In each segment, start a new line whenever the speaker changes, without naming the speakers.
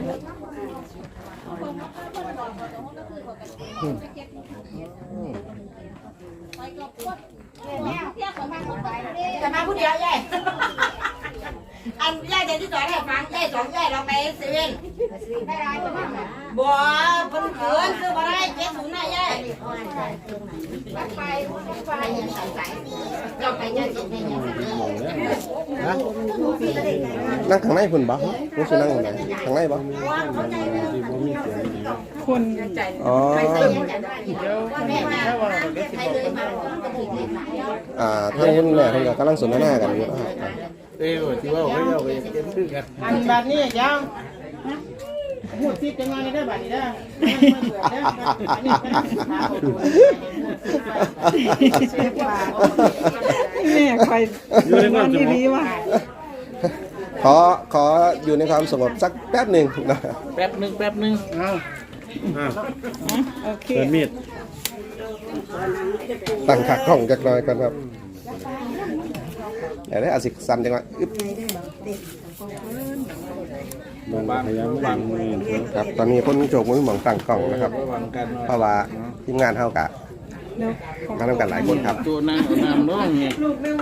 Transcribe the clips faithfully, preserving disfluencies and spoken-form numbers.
จะมาผู้เดียวยัยอันยัยเดี๋ยวที่สอนให้ฟังยัยสองยัยเราไปเซเว่นบัวเพิ่นเขินซื้อมาได้เจ็ดถุงน่ะยัยไปไปยังใส่ใส่เราไปยัยสิเนี่ย
นั่งข้างในคุณบ่รู้สึกนั่งข้างในข้างในบ่
คน
อ๋ออ่าทางคุณแม่เพิ่นก็กำลังสนทนากันอยู่นะครับ
เอ้ยที่ว่าเขาเอาไปเก็บชื่อกัน
อันแบบนี้ยังพูดซิจะงานได้แบบนี้ได้แม่ใครอยู่ในบ้านที่ดีว่ะ
ขอขออยู่ในความสงบสักแป๊บหนึ่งนะ
แป๊บหนึ่งแป๊บหนึ่งเอา
โอเค
เปิดมีด
ตั้งขากล้องจักหน่อยก่อนครับอย่าได้อาศิกสันจังหวะอึ๊บบ
างพยายามบางมือ
ครับตอนนี้คนโจกมือหมองตั้งกล้องนะครับเพราะว่าทีมงานเท่ากับมาทำกันหลายคนครับ
ตัวนั่งเอาน้ำน้องเนี่ย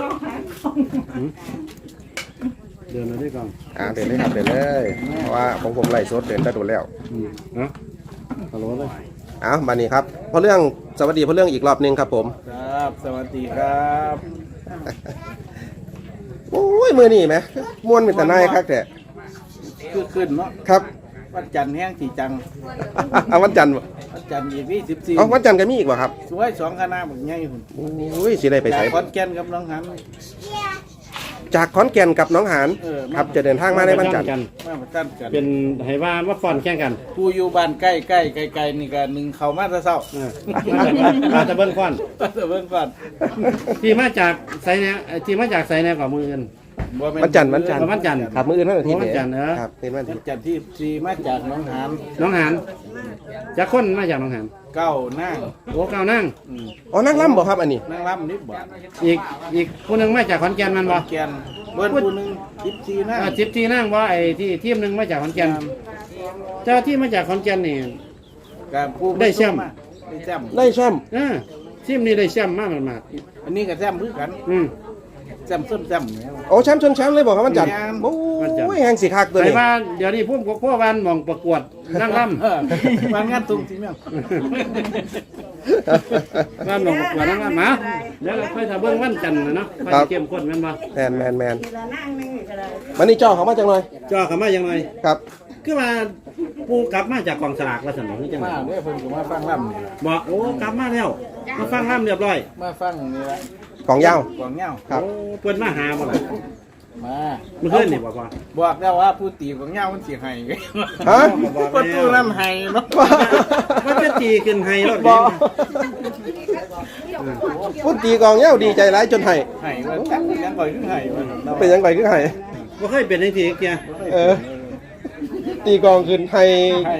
เดินมาด้วยกัน
อ่าเดินเลยครับเดินเลยเพราะว่าของผมไล่สดเดินได้โดนแล้ว
นะฮัลโหลเลย
อ้าวมานี่ครับเพราะเรื่องสวัสดีเพราะเรื่องอีกรอบนึงครับผม
ครับสวัสดีครับ
โอ้ยมือนี่ไหมม้วนเป็นแต่นายครับแต่
คือขึ้นเนาะ
ครับ
วันจันทร์แห้งสีจัง
เอาวันจันทร์
วันจันทร์ยี่สิบสิบสี่
อ๋อวันจันทร์ก็มีอีกวะครับ
สวยสองคณะแบบใหญ่หุ่น
โอ้ยสิได้ไปใส่
ขอนแก่นกับน้องหัน
จากขอนแก่นกับน้องหานครับจะเดินทางมาในวันจันทร์
มาประจันกัน
เป็นไหว่าว่าฟอนแข่งกัน
ผู้อยู่บ้านใกล้ใกล้ไกลๆนี่ก็หนึ่งเขามาจะเศร้า
มาจะเบิ้งฟอน
มาจะเบิ้งฟอน
ที่มาจากไซเนี่ยที่มาจากไซเนี่ยกับมืออื่น
วันจันทร์วันจันทร์
วันจันทร์
ครับมืออื่นวันอาทิตย์
วันจันทร์เนอะ
ครับเป็นวัน
จันทร์ที่ที่มาจากน้องหาน
น้องหานจากคนมาจากน้องหาน
เก้านั่ง
โอ้เก้านั่ง
อ๋อนั่งล่ำบ่ครับอันนี้
นั่งล่ำนิดบ่
อีกอีกคนหนึ่งมาจากขอนแก่นมันบ่
แก่นเบิ้ลคนหนึ่งทิพทีนั่ง
ทิพทีนั่งว่าไอ้ที่ทีมหนึ่งมาจากขอนแก่นเจ้าที่มาจากขอนแก่นนี่ได้แชมป์
ได้แชมป์
ได้แชมป์
อ่าทีมนี้ได้แชมป์มากมาก
อันนี้ก็แชมป์พื้นกัน
อืม
แชมป์ส้มแชมป์
โอ้แชมป์ชนแชมป์เลยบอกครับวันจันทร์โอ้ยแหงสีคักตัวนี้
แต่ว่าเดี๋ยวนี้พุ่มพวกวันมองประกวดนั่งล่
ำวันงานตุ้งที่เมีย
วันมองประกวดนั่งล่ำมาเดี๋ยวค่อยทำเบื้องวันจันทร์นะเนาะค่อยเข้มข้นแม่นบ่
แมนแมนแมนวันนี้จ่อเขามาจังเลย
จ่อเขามาจังเลย
ครับ
คือมาปูกลับมาจากกองสลากแล้วสนองนี่จัง
มาเนี่ยเพิ่นก็มาฟังล่ำนี่
บอกโอ้กลับมาแล้วมาฟังล่ำเรียบร้อย
มาฟังนี่ละ
ของยาว
ของยาว
ครับ
เพิ่นมาหาบ่ล่ะ
มา
เมื่อคืนนี่บอกว่า
บอกแล้วว่าผู้ตีของยาวมันสิให้
ฮะ
ประตูน้ำให้เนาะ
มันจะตีขึ้นให้รถ
บ่พูดตีกองยาวดีใจร้ายจนให้
ให้ว่าจังยังก่อยขึ้นให้
เป็นยังไงขึ้นให้
บ่เคยเป็นจังซี่เกีย
เออตีกองขึ้นให้
ให้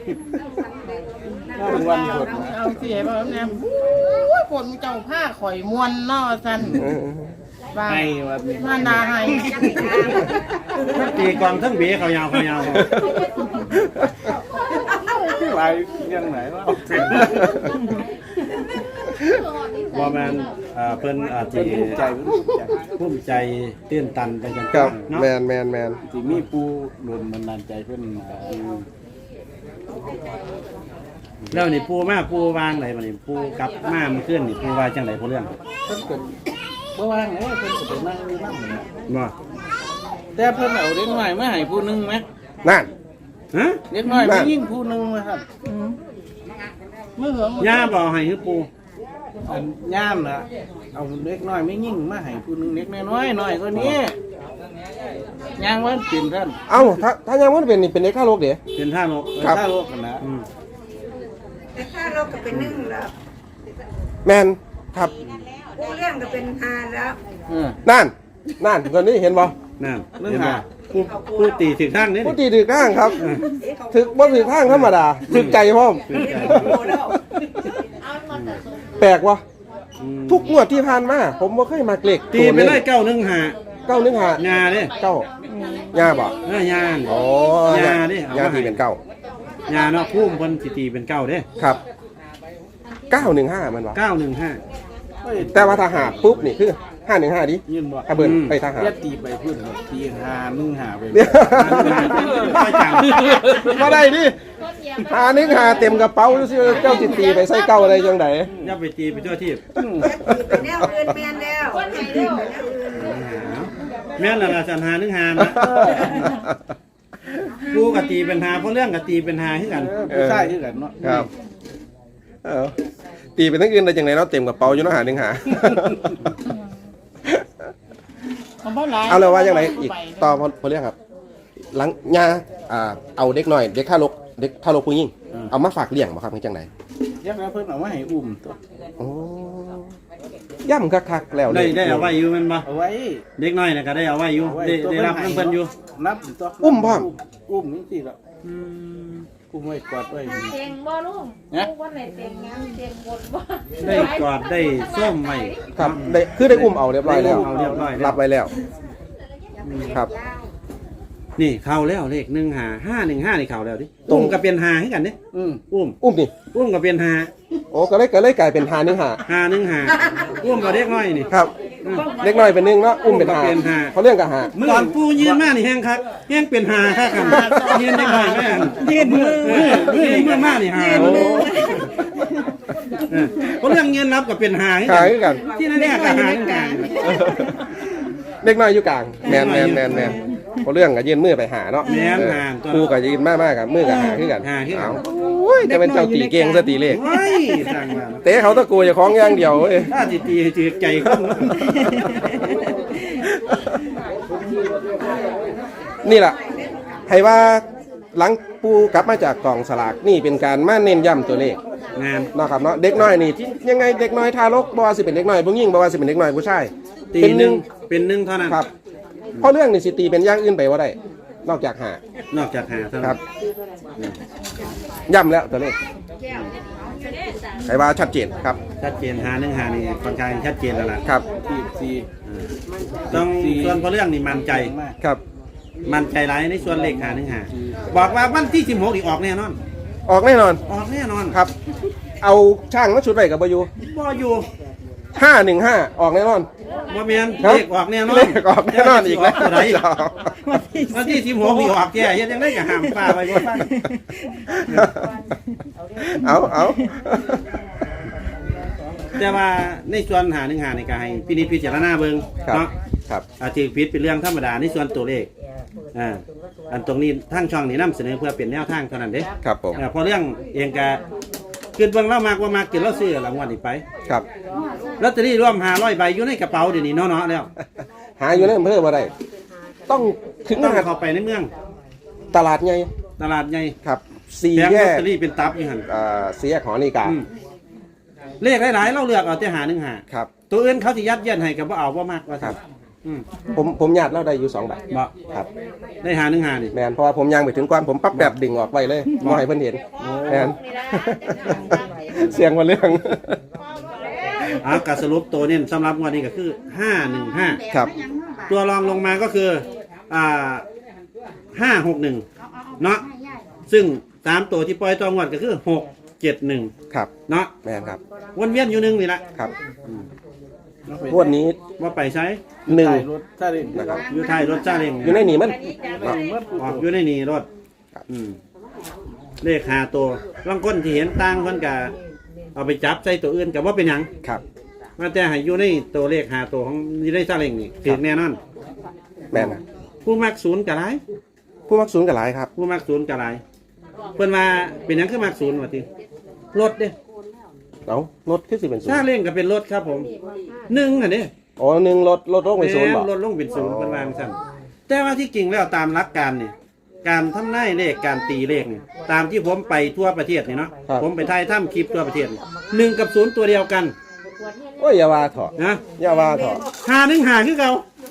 เป็นวันฝน
เอาสิให้บ่แม่ฝนเจ้าผ้าข่อยม่วนเนาะซั่น
ให้ว่ามี
มานาให้
ตีกองทั้งเบี้ยเขายาวเขายาว
ไปยังไหนวะ
ว่าแมนเพิ่นอาจจะ
ภูมิใจ
ภูมิใจตื่นตันไปจัง
ครับแมนแมนแมน
ที่มีปูโดนมันนานใจเพิ่น
แล้วนี่ปูมาปูวางไหนมานี่ปูกลับมามันขึ้นนี่ปูว่าจังไหนพอเรื่อง
เพิ่นเกิดเมื่อวานเนี่ยเพิ่นไปนั่งอยู่นั่งเนี่ย
ว่า
แต่เพิ่นเอาเด็กน้อยมาให้ผู้นึงไหม
นั่น
ฮะ
เด็กน้อยไม่ยิ่งผู้นึงนะครับ
เมื่อเหร
อย่าบอกให้คือปู
อันย่ามนะเอาเด็กน้อยไม่ยิ่งมาให้ผู้นึงเด็กน้อยน้อยก็นี้ย่างวันกินท่าน
เอ้าถ้าถ้ายังวันเป็นนี่เป็นเด็กข้าโลกเดี๋ยว
เป็นท่าโลก
ท่าโลกกันนะ
แต่ข้าเราก็เป็นนึ่งแล้ว
แมนครับ
ผู้เรื่องก็เป็นฮาแล้ว
นั่นนั่นคนนี้เห็นบ่
นั่นเรื่องฮาผู้ตีถึงข้างนี่
ผู้ตีถึงข้างครับถึกบ่ถึงข้างธรรมดาถึกใจพ่อมแปลกวะทุกงวดที่ผ่านมาผมบ่เคยมาเกล็ก
ตีไปเลยเก้าหนึ่งหา
เก้าหนึ่งหาง
าเนี่ย
เก้าย่าบ่
เออยา
โอ้
ยาดิเอา
ย่า
มา
ที่
ให้
เป็นเก้าย
าเนาะพุ่มเพิ่นสิตีเป็นเก้าเด้
ครับเก้าหนึ่งห้ามันวะ
เก้าหนึ่งห้า
แต่ว่าถ้าหาปุ๊บนี่คือห้าหนึ่งห้าดิ
ยืนบ่
ถ้าเบิ่นไปทหาร
เรียกตีไปพื้นตีหามึงหาไป
เดี๋ยว
ไม่จัง
มาได้ดิหาหนึ่งหาเต็มกระเป๋าซิเจ้าจิตตีไปใส่เก้าอะไรจังได
อย่าไปตีไปทั่วที่
แนวอื่นแม่นแล้วคนไหนเร็ว
แม่นละละสันหาหนึ่งหานะกูกะตีเป็นหาเพราะเรื่องกะตีเป็นหาคือกัน
ผู้ชายคือกันเนาะ
ครับเออตีเป็นทั้งอื่นได้จังไดเนาะเต็มกระเป๋าอยู่เนาะหาหนึ่งหา
เอาบ่หลาย
เอาเลยว่าอย่างไรอีกต่อพอพอเรียกครับ หลังย่าอ่าเอาเด็กหน่อย เด็กท่ารกเด็กท่ารกผู้หญิงเอามาฝากเลี้ยงบ่ครับเป็นจังได
ยักษ์แล้วเพิ่นเอามาให้อุ้มตัว
โอ้ย่ำคักๆแล้ว
ได้ได้เอาไว้อยู่แมันบ่
เอาไว้
เด็กน้อยน่ะก็ได้เอาไว้อยู่ได้ได้รับน้ำเพิ่นอยู่
นับตัว
อุ้มพ่อม
อุ้มนี่สิละอุ้มไว้กอดไว้
เตียงบ่ลุง
นะ
ลูกวันไหนเตียงงานเตียงบนบ่
ได้กอดได้ส้มไว้
ครับได้คือได้อุ้มเอาเรียบร้อยแล้ว
ได้อุ้มเอาเรียบร้อยแล้ว
รับไว้แล้ว ครับ
นี่เข้าแล้วเลขหนึ่งหาห้าหนึ่งห้านี่เข้าแล้วดิอุ้มก็เป็นหาให้กันเด้
อืม
อุ้ม
อุ้มนี่
อุ้มก็เป็นหา
โอ้ก็เลยก็เลยกลายเป็นหาหนึ่งหา
หาหนึ่งหาอุ้มก็เด็กน้อยนี่
ครับ เล็กน้อยเป็นหนึ่งเนาะอุ้มเป็นหา
เป็นหา
เขาเรื่องกับหา
ตอนปูยืนมานี่แห้งคักแห้งเป็นหาคักกันยืนเด็กน้อยแม่นยืนมือยืนมือมากนี่หา
โอ้
เออเพราะเรื่องเงินรับก็เป็นหาให้
หา
กัน
คือกัน
ที่นั่นแน่ก็หาเหมือนกัน
เล็กน้อยอยู่กลางแมนแมนแมนแมนเขาเรื่องกับยืนมือไปหาเนาะ
แม่น
เออ
หาตัว
ครูกับยืนมากมากกับมือกับหาคือกัน
หาคือกัน
เโอ้ยจะเป็นเจ้าตีเก่งซะตีเลข
โอ้ยสั่งมา
เตะเขาตะกูจะคล้องอย่างเดียวเว้ย
ถ้าจิตตีจืดใจขึ้น
นี่แหละให้ว่าหลังปูกลับมาจากกล่องสลากนี่เป็นการมาเน้นย้ำตัวเลข
งาน
เนาะครับเนาะเด็กน้อยนี่ที่ยังไงเด็กน้อยทารกบ่ว่าสิเป็นเด็กน้อยผู้หญิงบ่ว่าสิเป็นเด็กน้อยผู้ชาย
ตี
เป็น
ห
ห
นึ่
นึ่
ง
ง
เป็นหนึ่งเท่านั้น
ครับเพราะเรื่องนี่สิตีเป็นอย่างอื่นไปว่าได้นอกจากหาน
อกจากหาเท่า
ค
นั้
รั
น
บย้ำแล้วตัวเลขให้ว่าชัดเจนครับ
ชัดเจนหาหนึ่งหานี่ค่อนข้างชัดเจนแล้วล่ะ
ครับ
สี่สี่
ต้องส่วนเพราะเรื่องนี่มั่นใจ
มาก
ครับ
มั่นใจหลายในส่วนเลขหาหนึ่งหาบอกว่าวันที่สิบหกอีกออกแน่นอน
ออกแน่นอน
ออกแน่นอน
ครับ เอาช่างมาชุดไว้กับบอยู
บ่อยู่
ห้าหนึ่งห้าออกแน่นอน
บ่แม่น
ครับ
เลขออกแน่นอน
เลขออกแน่นอนอีกแล้ว
ตัวใดวันที่สิบหกอีกออกแก่เฮ็ดจังได๋ก็ห้ามป้าไว้บ่ฟัง
เอาเอา
แต่ว่าในส่วนหาหนึ่งหาในการให้พินิจพิจารณาเบิ่ง
ครับ
เนาะ
ครับ
อาทิตย์พิษเป็นเรื่องธรรมดาในส่วนตัวเลขอ่าอันตรงนี้ทางช่องนี้นำเสนอเพื่อเป็นแนวทางเท่านั้นเด้
ครับผม
อ่าเพราะเรื่องเองก็คือเบิ่งเรามากว่ามากกินเราซื้อรางวัลนี้ไป
ครับ
ลอตเตอรี่รวมห้าร้อยใบอยู่ในกระเป๋าเดี๋ยวนี้เนาะๆแล้ว
หาอยู่ในอำเภอบ่ได้ต้องถึง
ต้อง
หาด
เข้าไปในเมือง
ตลาดไง
ตลาดใหญ่
ครับสี่
แผง
แย
ลอต
ก
เตอรี่เป็นตับอยู่หั่น
อ่าสี่แยกหอนาฬิกา
อืมเลขหลายๆเราเลือกเอาแต่หาหนึ่งหา
ครับ
ตัวอื่นเขาสิยัดเยียดให้ก็บ่เอาบ่มากว่า
ครับ
อืม
ผมผมญาติเราได้อยู่สองใบ
บ่
ครับ
ได้หาหนึ่งหานี่
แมนเพราะว่าผมย่างไปถึงก่อนผมปั๊บแบบดึงออกไปเลยมองให้เพิ่นเห็นแมน เสียงมาเรื่อง
อ่ากสรุปตัวเนี่ยสำหรับงวันนี้ก็คือห้าหนึ่งห้า
ครับ
ตัวรองลงมาก็คืออ่าห้าหกหนึ่งเนาะซึ่งสามตัวที่ปล่อยตัวงวดก็คือหกเจ็ดหนึ่ง
ครับ
เนาะ
แมนครับ
วนเวียนอยู่หนึ่งนี่แหละ
ครับงวดนี้
ว่าไปใช้
หนึ่ง
ถ่ายรถถ้าเล่น
นะครับ
อยู่ท้ายรถจ้าเร่ง
อยู่ในนี่มันเนาะ
ออกอยู่ในนี่รถอืมเลขหาตัวบางคนที่เห็นต่างคนกับเอาไปจับใส่ตัวอื่นกับว่าเป็นหยัง
ครับ
มาแต่ให้อยู่ในตัวเลขหาตัวของอยู่ในซาเล้งนี่ถึงแน่นอน
แมนนะ
ผู้มักศูนย์กับไร
ผู้มักศูนย์กับหลายครับ
ผู้มักศูนย์กับไรเพิ่นมาเป็นหยังคือมักศูนย์ว่าติรถเด้
เอารถขึ้นสิเป็นศูน
ซา
ย์
เล้งก็เป็นรถครับผมหนึ่งน่ะเด้
อ๋อหนึ่งรถรถลงไปศูนย์บ่
แม่รถลงเป็นศูนย์เพิ่นวาจังซั่นแต่ว่าที่จริงแล้วตามหลักการนี่การทำนายเลขการตีเลขนี่ตามที่ผมไปทั่วประเทศนี่เนาะผมไปถ่ายทำคลิปทั่วประเทศนี่หนึ่งกับศูนย์ตัวเดียวกัน
โอ้ยอย่าว่าเถอะ
นะ
อย่าว่าเถอะ
หาหนึ่งหาคือเก่า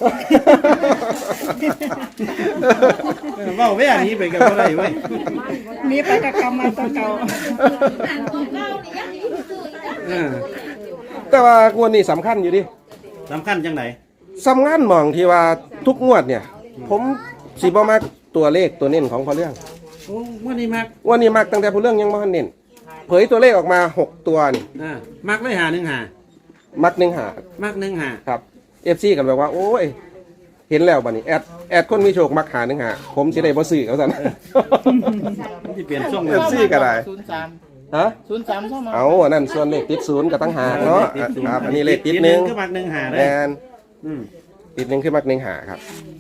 เออเว้าแว่นี้ไปกับบ่ได้เว้ย
มีไปกับกรรมมาตัวเก่า
เออ
แต่ว่างวดนี้สำคัญอยู่ดิ
สำคัญจังไหน
สำคัญหมองที่ว่าทุกงวดเนี่ย ผมสิบ่มักตัวเลขตัวเน้นของพอเรื่อง
โอ้วันนี้มัก
วันนี้มักตั้งแต่พอเรื่องยังบ่ทันเน้นเผยตัวเลขออกมาหกตัวนี่
อ่ามักเลยหาหนึ่งหา
มักหนึ่งหา
มักหนึ่งหา
ครับ เอฟ ซี กันแบบว่าโอ้ยเห็นแล้วบัดนี้แอดแอดคนมีโชคมักหาหนึ่งหาผมสิได้บ่ซื้อเขาซั่น
ที่เปลี่ยนช่วง
เอฟซีก็ได้
ศูนย์สาม
ฮะ
ศูนย์สามเข้ามา
เอาอันนั้นส่วนเลขติดศูนย์ก็ตั้งหากเนาะครับอันนี้เลขติดหนึ่ง
ก็มักหนึ่งหาเล
แม
ย
น
อืม
ติดหนึ่งคือมักหนึ่งหาครับ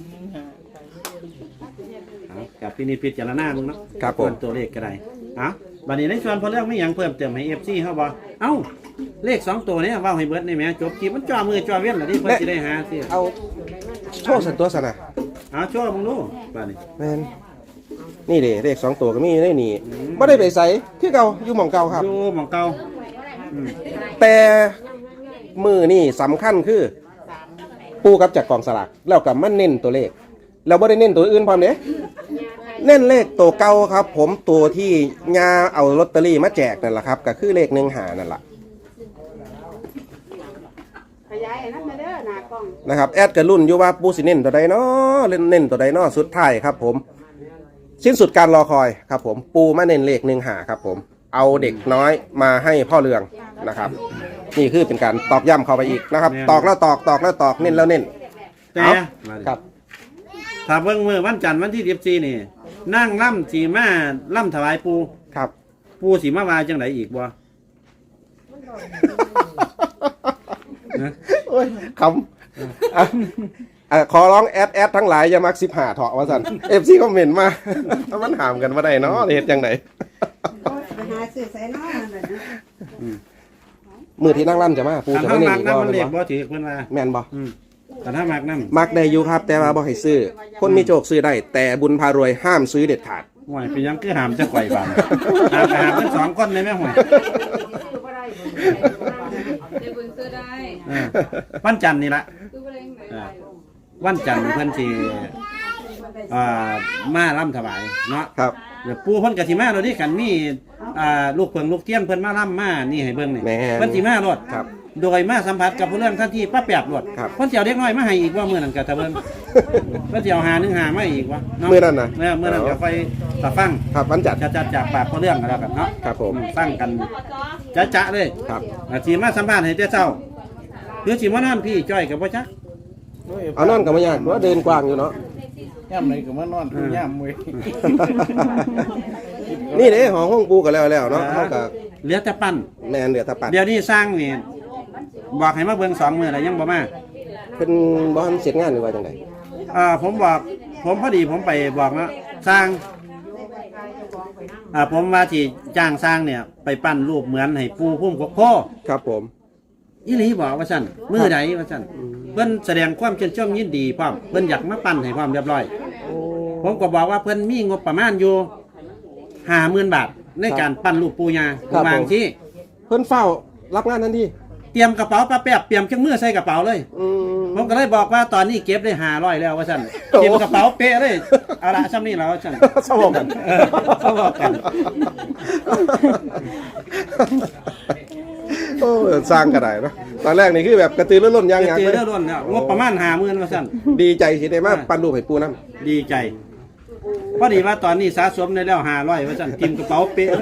เอากับพี่นิดพิจารณามึงเนาะ
ครับผม
เพิ่ตัวเลขก็ได้เอาบัดนี้ในส่วนพอเรื่องไม่หยังเพิ่มเติมให้เอฟซีเขาบอกเอ้าเลขสองตัวเนี้ว่าให้เบิร์ดในแม่จบคลิปมันจ่อมือจ่อเวียนเหรอที่เพิ่นสิได้หาสิ
เอาโชว์สันตัวสนะ
เอาช่วยมึงดูบัดนี้
แมนนี่เด้เลขสองตัวก็มีได้นี่ไม่ได้ไปใส่คือเก่าอยู่หม่องเก่าครับ
ดูหมองเก่าอืม
แต่มือนี่สำคัญคือ ปูกับจากกองสลากแล้วกับมันเน้นตัวเลขเราไม่ได้เน้นตัวอื่นพร้อมเนี้ยเน้นเลขตัวเก่าครับ ผมตัวที่ยาเอาลอตเตอรี่มาแจกนั่นแหละครับก็คือเลขหนึ่งหานั่นแหละ
ขยายนั่นมาเด้อหน้ากล้อง
นะครับแอดกับรุ่นอยู่ว่าปูสิเน้นตัวใดเนาะเล่นเน้นตัวใดเนาะสุดท้ายครับ ผม สิ้นสุดการรอคอยครับ ผมปูมาเน้นเลขหนึ่งหาครับ ผมเอาเด็กน้อยมาให้พ่อเรืองนะครับ นี่คือเป็นการตอกย้ำเข้าไปอีกนะครับ ตอกแล้วตอกตอกแล้วตอกเน้นแล้วเน้น
แต่
เอา
มาดิ
ครับ
ถ้าเบิ่งมือวันจันทร์วันที่สิบสี่นี่นั่งล่ำสีมาล่ำถวายปู
ครับ
ปูสีมาวาจังไดอีกบ่ นะ
โอ้ยคำอ่ะอ่ะขอร้องแอดแอดทั้งหลายอย่ามักสิบหาเถาะว่าสันเอฟซีคอมเมนต์มามันถามกันว่าใดเนาะเหตุจังได
ไปหาซื้อใส่น้องนั่นน่ะนะ
มือที่นั่งร่ำจะมาปู
ถ้า
จะ
ถ้า
ไม่เน้น
มัก
อีก
น้ำ
บ่
มันเล็
แม่
ก
น
บ่
บ่
ถือเพิ่นว่า
แม่นบ่
อืมแต่ถ้ามักน้
มักได้อยู่ครับ แต่ว่าบ่ให้ซื้อ คนมีโชคซื้อได้ แต่บุญพารวยห้ามซื้อเด็ดขาด
ำห่วยเป็นหยังคือหามจะไกวบานหามไปหามทั้งสองคนเลยแม่ห่วย
เดี๋ยวเบิ่งซื้อได้
เออวันจันทร์นี่ละ
ซื้อบ่ได้ยังไง
อ่าวันจันทร์เพิ่นสิอ่ามาล่ำถวายเนาะ
ครับ
เดี๋ยวปู่เพิ่นก็สิมาโดยที่กันมีอ่าลูกเพิงลูกเตี้ยนเพิ่นมาล่ำมานี่ให้เบิ่งนี่
แม่น
เพิ่นสิมาโลด
ครับ
โดยมาสัมผัสกับผู้เรื่องท่านที่ป้าแปบโลด
ครับ
เพิ่นสิเอาเด็กน้อยมาให้อีกว่ามื้อนั้นก็ถ้าเบิ่งเพิ่นสิเอาหาหนึงหามาอีกว่าะ
มื้อนั้นน่ะ
เออมื้อนั้นก็ค่อยตาฟัง
ครับวันจันทร์
จะจะจากปากผู้เรื่องกันแล้วกันเนาะ
ครับผม
ฟังกันจะจะเลย
ครับ
อาสิมาสัมภาษณ์ให้แต่เช้าหรือสิมานอนพี่จ้อยก็บ่จัก
เอานอนก็ไม่ยากเพราะว่าเดินกว้างอยู่เนาะ
ย่ำไหนก็มานอนย่ำเว้ย
นี่เด้ของห้องปูก็แล้วแล้วเนาะเท่ากับ
เหลือแต่ปั้น
แมนเหลือแตะปัด
เดี๋ยวนี้สร้างนี่บอกให้มาเบิ่งสองมื้อแล้วยังบ่มา
เป็นบ่ทันเสร็จงานหรือว่าจังได
อ่าผมบอกผมพอดีผมไปบอกนะสร้างอ่าผมว่าที่จ้างสร้างเนี่ย ไปปั้นรูปเหมือนให้ปูพุ่มกกโพ
ครับผม
อีหลีบอกว่าสั่นมือใดว่าสั่นเพิ่นแสดงความชื่นชมยินดีพร้อมเพิ่นอยากมาปั้นให้ความเรียบร้อย ผมก็บอกว่าเพิ่นมีงบประมาณอยู่ห้าหมื่นบาทในการปั้นรูปปูยาบางที่
เพิ่นเฝ้ารับงานทันที
เตรียมกระเป๋าปลาแป๊บเตรียมเครื่องมือใส่กระเป๋าเลย
อืม
ผมก็เลยบอกว่าตอนนี้เก็บได้ห้าร้อยแล้วว่าสั่น
โอ้
เตรียมกระเป๋าเป๊ะเลยเอาละซ้ำนี่แล้วว่าสั่น
สมองกัน
เออสมองกัน
โอ้สร้างกระไดเนาะตอนแรกนี่คือแบบกระตือรือร้นยัง
เจ
ยัง
อ
เลย
เรื่องล้นเนี่ยงบประมาณห้าหมื่นว่าสั่น
ดีใจสิได้มาปั้นรูปให้ปูน้ำ
ดีใจพอดีว่าตอนนี้สะสมได้แล้วห้าร้อยว่าสั่นทิมกระเป๋าเป๊ะเลย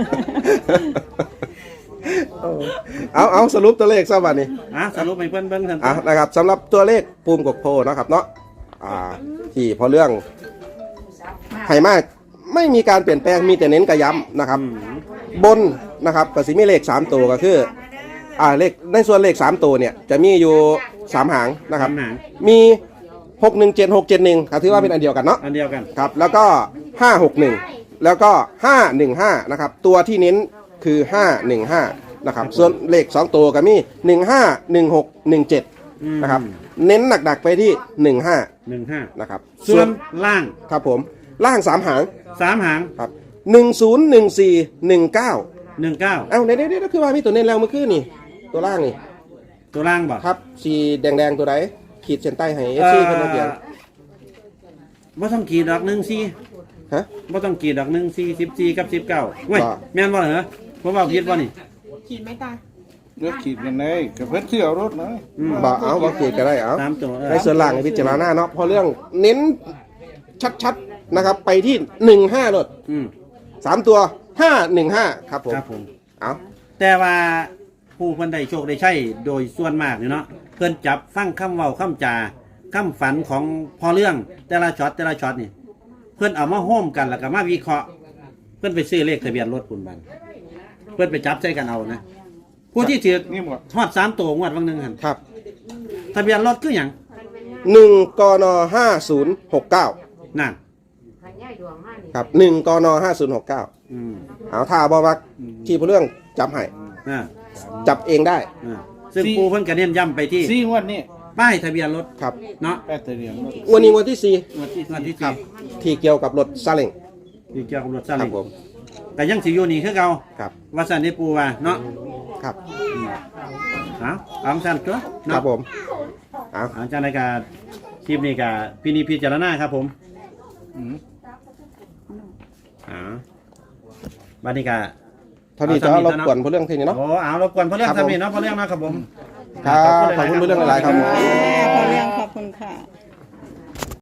เอาเอาสรุปตัวเลขซะวันนี้
อ่ะสรุปให้เพิ่นเบิ่งท่าน
อ่ะนะครับสำหรับตัวเลขภูมิกกโพนะครับเนาะอ่าที่พอเรื่องไห่มากไม่มีการเปลี่ยนแปลงมีแต่เน้นกระย้ำนะครับ บนนะครับก็สิมีเลขสามตัวก็คืออ่าเลขในส่วนเลขสามตัวเนี่ยจะมีอยู่สามหางนะครับ
หนัง
มีหกหนึ่งเจ็ดหกเจ็ดหนึ่งครับถือว่าเป็นอันเดียวกันเนาะ
อันเดียวกัน
ครับแล้วก็ห้าหกหนึ่งแล้วก็ห้าหนึ่งห้านะครับตัวที่เน้นคือห้าหนึ่งห้านะครับส่วนเลขสองตัวก็มีหนึ่งห้าหนึ่งหกหนึ่งเจ็ดนะครับเน้นหนักๆไปที่หนึ่งห้า
หนึ่งห้า
นะครับ
ส่วนล่าง
ครับผมล่างสามหาง
สามหาง
ครับหนึ่งศูนย์หนึ่งสี่หนึ่งเก้า
หนึ่งเก้า
เอ้าเดี๋ยวเดี๋ยวคือว่ามีตัวเน้นแล้วเมื่อคืนนี่ตัวล่างนี่
ตัวล่างบ่
ครับสีแดงๆตัวไหนขีดเส้นใต้ให้เอฟซีเพิ่นเอาเขียน
บ่ต้องกี่ดอกหนึ่งสี่
ฮะ
บ่ต้องกี่ดอกหนึ่งสี่สิบสี่กับสิบเก้าเว้ย
บ่
แม่นบ่เหรอผมว่าผิดบ่นี่
ขีดไม่ตาย
เลือกขีดกันเลยกับเพื่อนเที่ยวรถนะ
อืม
บ่เอาบ่ขีดก็ได้เอา
สามตัวเออ
ในส่วนล่างให้พิจารณาเนาะเพราะเรื่องเน้นชัดๆนะครับ ไปที่หนึ่งห้ารถ
อืม
สามตัวห้าหนึ่งห้าครับผม
ครับผม
เอา
แต่ว่าผู้เพิ่นได้โชคได้ใช้โดยส่วนมากนี่เนาะเพิ่นจับฟังคำเว้าคำจาคำฝันของพอเรื่องแต่ละช็อตแต่ละช็อตนี่เพิ่นเอามาโฮมกันแล้วก็มาวิเคราะห์เพิ่นไปซื้อเลขทะเบียนรถคุณบันเพิ่นไปจับใส่กันเอานะผู้ที่ถือ
นี่หมด
ทอดสามตัวงวดวันหนึงหั่น
ครับ
ทะเบียนรถคือหยัง
หนึ่งกนห้าศูนย์หกเก้า
นั่น
ครับหนึ่งกนห้าศูนย์หกเก้า
อืม
เอาท่าบอมักที่พอเรื่องจับให้
อ่า
จับเองได้
อ่าซึ่งปูเพิ่นก็เน้นย้ำไปที่
สี่งวดนี่
ป้ายทะเบียนรถ
ครับ
เนาะ
แปดตัวเดียวงวด
วันนี้วันที่สี่
งวดที่งวดที่
ครับ
สี่
ที่เกี่ยวกับรถซาเล้ง
ที่เกี่ยวกับรถซา
ครั
เล้
บ
ง
ผม
แต่ยังสิอยู่นี่คือเก่า
ครับ
ว่าซั่นได้ปูว่าเนาะ
ครับ
เอาเอาซั่นตัว
ค
เนาะ
รับผมเอา
อาจารย์ในการคลิปนี้ก็พินิจพิจารณาครับผม
อืม
อ่าบัดนี้ก็
เท่านี้จะรบกวนพอเรื่องทีนี้เนาะ
โอ้เอารบกวนเพราะเรื่อง
ครับผม
ทำนี่เนาะเพราะเรื่องเนาะครับผม
ครับขอบคุณพอเรื่องหลายๆครับผม
พอเลี้ยงขอบคุณค่ะ